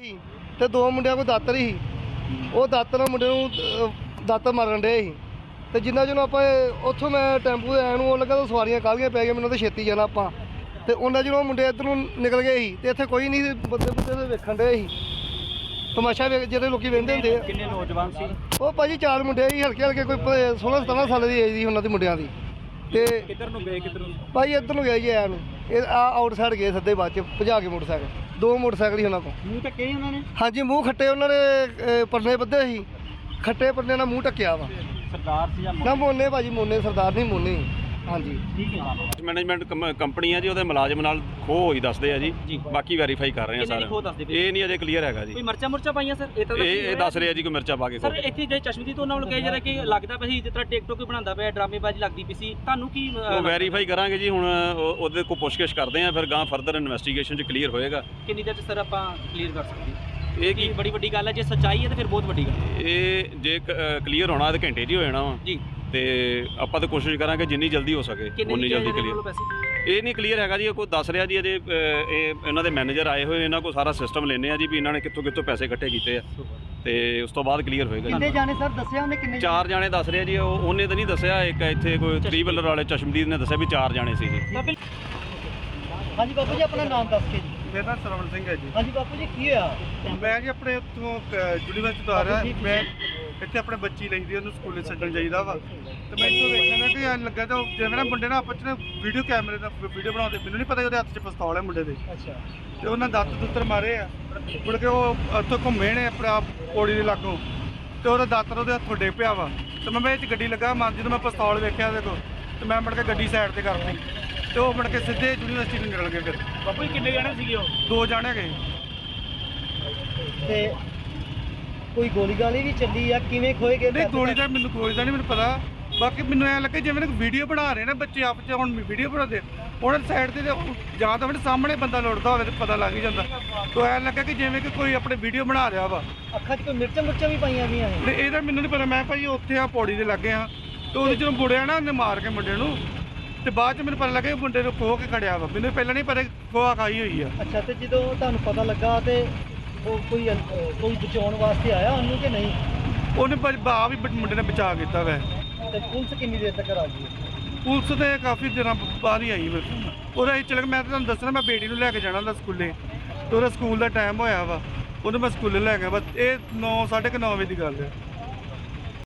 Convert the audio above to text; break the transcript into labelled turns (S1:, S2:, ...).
S1: ਤੇ ਦੋ ਮੁੰਡਿਆਂ ਕੋਲ ਦਾਤਰ ਹੀ ਉਹ ਦਾਤਰ ਨਾਲ ਮੁੰਡੇ ਨੂੰ ਦਾਤਰ ਮਾਰਨ ਡੇ ਸੀ ਤੇ ਜਿੰਨਾ ਜਿਹਨੂੰ ਆਪਾਂ ਉੱਥੋਂ ਮੈਂ ਟੈਂਪੂ ਆਇਆ ਨੂੰ ਉਹ ਲੱਗਾ ਤਾਂ ਸਵਾਰੀਆਂ ਕਾਹਲੀਆਂ ਪੈ ਗਈਆਂ ਮੈਨੂੰ ਤਾਂ ਛੇਤੀ ਜਾਣਾ ਆਪਾਂ ਤੇ ਉਹਨਾਂ ਜਿਹਨੂੰ ਮੁੰਡੇ ਇੱਧਰ ਨੂੰ ਨਿਕਲ ਗਏ ਸੀ ਤੇ ਇੱਥੇ ਕੋਈ ਨਹੀਂ ਸੀ ਬੰਦੇ ਵੇਖਣ ਡੇ ਸੀ ਤਮਾਸ਼ਾ ਜਿਹੜੇ ਲੋਕੀ ਵੇਖਦੇ ਹੁੰਦੇ ਆ।
S2: ਕਿੰਨੇ ਨੌਜਵਾਨ ਸੀ
S1: ਉਹ ਭਾਜੀ 4 ਮੁੰਡੇ ਸੀ ਹਲਕੇ ਕੋਈ 16-17 ਸਾਲ ਦੀ ਏਜ ਦੀ ਉਹਨਾਂ ਦੇ ਮੁੰਡਿਆਂ ਦੀ ਤੇ
S2: ਕਿੱਧਰ ਨੂੰ ਗਏ ਕਿੱਧਰ ਨੂੰ
S1: ਭਾਜੀ ਇੱਧਰ ਨੂੰ ਗਿਆ ਜੀ ਆਇਆ ਨੂੰ ਇਹ ਆਊਟ ਸਾਈਡ ਗਏ ਸਿੱਧੇ ਬਾਅਦ ਚ ਭਜਾ ਕੇ ਮੋਟਰਸਾਈਕਲ 2 ਮੋਟਰਸਾਈਕਲ ਹੀ ਉਹਨਾਂ ਕੋਲ।
S2: ਮੂੰਹ ਟੱਕੇ ਉਹਨਾਂ ਨੇ?
S1: ਹਾਂਜੀ ਮੂੰਹ ਖੱਟੇ ਉਹਨਾਂ ਨੇ ਪਰਨੇ ਬੱਧੇ ਸੀ ਖੱਟੇ ਪਰਨੇ ਨਾਲ ਮੂੰਹ ਟੱਕਿਆ ਵਾ।
S2: ਸਰਦਾਰ ਸੀ ਜਾਂ
S1: ਨਾ ਮੋਨੇ ਭਾਜੀ ਮੋਨੇ ਸਰਦਾਰ ਨਹੀਂ ਮੋਨੇ ਹਾਂਜੀ
S2: ਠੀਕ ਹੈ।
S3: ਮੈਨੇਜਮੈਂਟ ਕੰਪਨੀ ਆ ਜੀ ਉਹਦੇ ਮੁਲਾਜ਼ਮ ਨਾਲ ਖੋਹ ਹੋਈ ਦੱਸਦੇ ਆ ਜੀ ਬਾਕੀ ਵੈਰੀਫਾਈ ਕਰ ਰਹੇ ਆ ਸਰ ਇਹ ਨਹੀਂ ਅਜੇ ਕਲੀਅਰ ਹੈਗਾ ਜੀ।
S2: ਕੋਈ ਮਰਚਾ ਪਾਈਆਂ ਸਰ?
S3: ਇਹ ਦੱਸ ਰਹੇ ਆ ਜੀ ਕੋਈ ਮਿਰਚਾ ਪਾ ਕੇ
S2: ਸਰ ਇੱਥੇ ਜੇ ਚਸ਼ਮਦੀਦ ਉਹਨਾਂ ਨੂੰ ਕਹੇ ਜਿਹੜਾ ਕਿ ਲੱਗਦਾ ਪਿਆ ਸੀ ਜਿਸ ਤਰ੍ਹਾਂ ਟਿਕਟੋਕ ਹੀ ਬਣਾਉਂਦਾ ਪਿਆ ਡਰਾਮੇਬਾਜ਼ੀ ਲੱਗਦੀ ਪਈ ਸੀ ਤੁਹਾਨੂੰ ਕੀ
S3: ਉਹ ਵੈਰੀਫਾਈ ਕਰਾਂਗੇ ਜੀ ਹੁਣ ਉਹਦੇ ਕੋਲ ਪੁੱਛਗਿੱਛ ਕਰਦੇ ਆ ਫਿਰ ਗਾਂ ਫਰਦਰ ਇਨਵੈਸਟੀਗੇਸ਼ਨ 'ਚ ਕਲੀਅਰ ਹੋਏਗਾ।
S2: ਕਿੰਨੀ ਦੇਰ 'ਚ ਸਰ ਆਪਾਂ ਕਲੀਅਰ ਕਰ ਸਕਦੇ ਇਹ ਕੀ ਬੜੀ ਵੱਡੀ ਗੱਲ ਹੈ ਜੇ ਸੱਚਾਈ ਹੈ ਤਾਂ ਫਿਰ ਬਹੁਤ ਵੱਡੀ ਗੱਲ
S3: ਇਹ ਜੇ ਕਲੀਅਰ ਹੋਣਾ ਤਾਂ ਘੰਟੇ 'ਚ ਹੀ ਹੋ ਜਾਣਾ ਵਾ
S2: ਜੀ
S3: ਤੇ ਆਪਾਂ ਤਾਂ ਕੋਸ਼ਿਸ਼ ਕਰਾਂਗੇ ਜਿੰਨੀ ਜਲਦੀ ਹੋ ਸਕੇ ਉਨੀ ਜਲਦੀ ਕਲੀਅਰ। ਇਹ ਨਹੀਂ ਕਲੀਅਰ ਹੈਗਾ ਜੀ ਕੋਈ ਦੱਸ ਰਿਹਾ ਜੀ ਅਜੇ ਇਹ ਇਹਨਾਂ ਦੇ ਮੈਨੇਜਰ ਆਏ ਹੋਏ ਇਹਨਾਂ ਕੋਲ ਸਾਰਾ ਸਿਸਟਮ ਲੈਣੇ ਆ ਜੀ ਵੀ ਇਹਨਾਂ ਨੇ ਕਿੱਥੋਂ ਪੈਸੇ ਇਕੱਠੇ ਕੀਤੇ ਆ ਤੇ ਉਸ ਤੋਂ ਬਾਅਦ ਕਲੀਅਰ ਹੋਏਗਾ।
S1: ਕਿੰਨੇ ਜਾਣੇ ਸਰ ਦੱਸਿਆ ਉਹਨੇ ਕਿੰਨੇ?
S3: 4 ਜਾਣੇ ਦੱਸ ਰਿਹਾ ਜੀ ਉਹਨੇ ਤਾਂ ਨਹੀਂ ਦੱਸਿਆ ਇੱਕ ਇੱਥੇ ਕੋਈ 3 ਵੀਲਰ ਵਾਲੇ ਚਸ਼ਮਦੀਦ ਨੇ ਦੱਸਿਆ ਵੀ 4 ਜਾਣੇ ਸੀ ਜੀ।
S1: ਹਾਂਜੀ ਬਾਪੂ ਜੀ ਆਪਣਾ ਨਾਮ ਦੱਸ ਕੇ ਜੀ।
S4: ਮੇਰਾ ਨਾਮ ਸਰਵਣ ਸਿੰਘ ਹੈ ਜੀ।
S1: ਹਾਂਜੀ ਬਾਪੂ ਜੀ ਕੀ ਹੋਇਆ?
S4: ਮੈਂ ਜੀ ਆਪਣੇ ਉੱਥੋਂ ਯੂਨੀਵਰਸਿਟੀ ਤੋਂ ਆ ਰਿਹਾ ਮੈਂ ਇੱਥੇ ਆਪਣੇ ਬੱਚੀ ਲਈ ਦੀ ਉਹਨੂੰ ਸਕੂਲੇ ਛੱਡਣ ਜਾਈਦਾ ਵਾ ਤੇ ਮੈਂ ਇੱਥੋਂ ਵੇਖਿਆ ਨਾ ਕਿ ਐਂ ਲੱਗਾ ਤਾਂ ਜਿਵੇਂ ਨਾ ਮੁੰਡੇ ਨਾਲ ਆਪਸ ਚ ਵੀਡੀਓ ਕੈਮਰੇ ਨਾਲ ਵੀਡੀਓ ਬਣਾਉਂਦੇ ਮੈਨੂੰ ਨਹੀਂ ਪਤਾ ਉਹਦੇ ਹੱਥ 'ਚ ਪਿਸਤੌਲ ਹੈ ਮੁੰਡੇ ਦੇ।
S1: ਅੱਛਾ
S4: ਤੇ ਉਹਨਾਂ ਦੁੱਤਰ ਮਾਰੇ ਆ ਮੁੜ ਕੇ ਉਹ ਉੱਥੋਂ ਘੁੰਮੇ ਨੇ ਆਪਣਾ ਪੌੜੀ ਦੇ ਲਾਗੋਂ ਤੇ ਉਹਦਾ ਦਾਤਰ ਉਹਦੇ ਹੱਥੋਂ ਡੇ ਪਿਆ ਵਾ ਤੇ ਮੈਂ ਇਹ 'ਚ ਗੱਡੀ ਲੱਗਾ ਜਦੋਂ ਮੈਂ ਪਿਸਤੌਲ ਵੇਖਿਆ ਉਹਦੇ ਕੋਲ ਤੇ ਮੈਂ ਮੁੜ ਕੇ ਗੱਡੀ ਸਾਈਡ ਤੇ ਕਰਤੀ ਤੇ ਉਹ ਮੁੜ ਕੇ ਸਿੱਧੇ ਯੂਨੀਵਰਸਿਟੀ ਨੂੰ ਨਿਕਲ ਗਏ। ਫਿਰ
S2: ਬਾਪੂ ਜੀ ਕਿੰਨੇ ਜਾਣੇ ਸੀਗੇ ਉਹ?
S4: 2 ਜਾਣੇ ਗਏ।
S1: ਤੇ ਕੋਈ ਗੋਲੀ ਗਾਲੀ ਵੀ ਚੱਲੀ ਆ ਕਿਵੇਂ ਖੋਏ ਗਏ?
S4: ਨਹੀਂ ਗੋਲੀ ਦਾ ਨਹੀਂ ਮੈਨੂੰ ਪਤਾ ਬਾਕੀ ਮੈਨੂੰ ਐਂ ਲੱਗਾ ਜਿਵੇਂ ਵੀਡੀਓ ਬਣਾ ਰਹੇ ਨੇ ਬੱਚੇ ਆਪ 'ਚ ਹੁਣ ਵੀਡੀਓ ਬਣਾਉਂਦੇ ਉਹਨਾਂ ਦੀ ਸਾਈਡ ਤੇ ਜਾਂ ਤਾਂ ਸਾਹਮਣੇ ਬੰਦਾ ਲੁੱਟਦਾ ਹੋਵੇ ਤਾਂ ਪਤਾ ਲੱਗ ਹੀ ਜਾਂਦਾ ਤਾਂ ਐਂ ਲੱਗਾ ਕਿ ਜਿਵੇਂ ਕਿ ਕੋਈ ਆਪਣੇ ਵੀਡੀਓ ਬਣਾ ਰਿਹਾ ਵਾ।
S1: ਅੱਖਾਂ 'ਚ ਕੋਈ ਮਿਰਚਾਂ ਵੀ ਪਾਈਆਂ ਗਈਆਂ ਨੇ?
S4: ਨਹੀਂ ਇਹਦਾ ਮੈਨੂੰ ਨਹੀਂ ਪਤਾ ਮੈਂ ਭਾਈ ਉੱਥੇ ਆ ਪੌੜੀ ਦੇ ਲੱਗੇ ਆ ਤੇ ਉਹਦੇ ਜਦੋਂ ਮੁੜਿਆ ਨਾ ਉਹਨੇ ਮਾਰ ਕੇ ਮੁੰਡੇ ਨੂੰ ਤੇ ਬਾਅਦ 'ਚ ਮੈਨੂੰ ਪਤਾ ਲੱਗਾ ਮੁੰਡੇ ਨੂੰ ਖੋਹ ਕੇ ਖੜਿਆ ਵਾ ਮੈਨੂੰ ਪਹਿਲਾਂ ਨਹੀਂ ਪਤਾ ਖੋਆ ਖਾਈ ਹੋਈ ਆ।
S1: ਅੱਛਾ ਤੇ ਜਦੋਂ ਤੁਹਾਨੂੰ ਪਤਾ ਲੱਗਾ ਤੇ ਉਹ ਕੋਈ ਬਚਾਉਣ ਵਾਸਤੇ ਆਇਆ ਉਹਨੂੰ ਕਿ ਨਹੀਂ?
S4: ਉਹਨੇ ਬਾ ਵੀ ਮੁੰਡੇ ਨੇ ਬਚਾ ਕੀਤਾ ਵੈ।
S1: ਤੇ ਪੁਲਿਸ ਕਿੰਨੀ ਦੇਰ ਤੱਕ ਆ ਗਈ?
S4: ਪੁਲਿਸ ਤੇ ਕਾਫੀ ਦਿਨਾਂ ਬਾਅਦ ਹੀ ਆਈ ਮੇਰੇ ਉਹਦਾ ਚਲ ਮੈਂ ਤੁਹਾਨੂੰ ਦੱਸਣਾ ਮੈਂ ਬੇਟੀ ਨੂੰ ਲੈ ਕੇ ਜਾਣਾ ਹੁੰਦਾ ਸਕੂਲੇ ਤੇ ਉਹਦਾ ਸਕੂਲ ਦਾ ਟਾਈਮ ਹੋਇਆ ਵਾ ਉਹਨੂੰ ਮੈਂ ਸਕੂਲੇ ਲੈ ਗਿਆ ਬਸ ਇਹ 9:30 ਵਜੇ ਦੀ ਗੱਲ ਹੈ।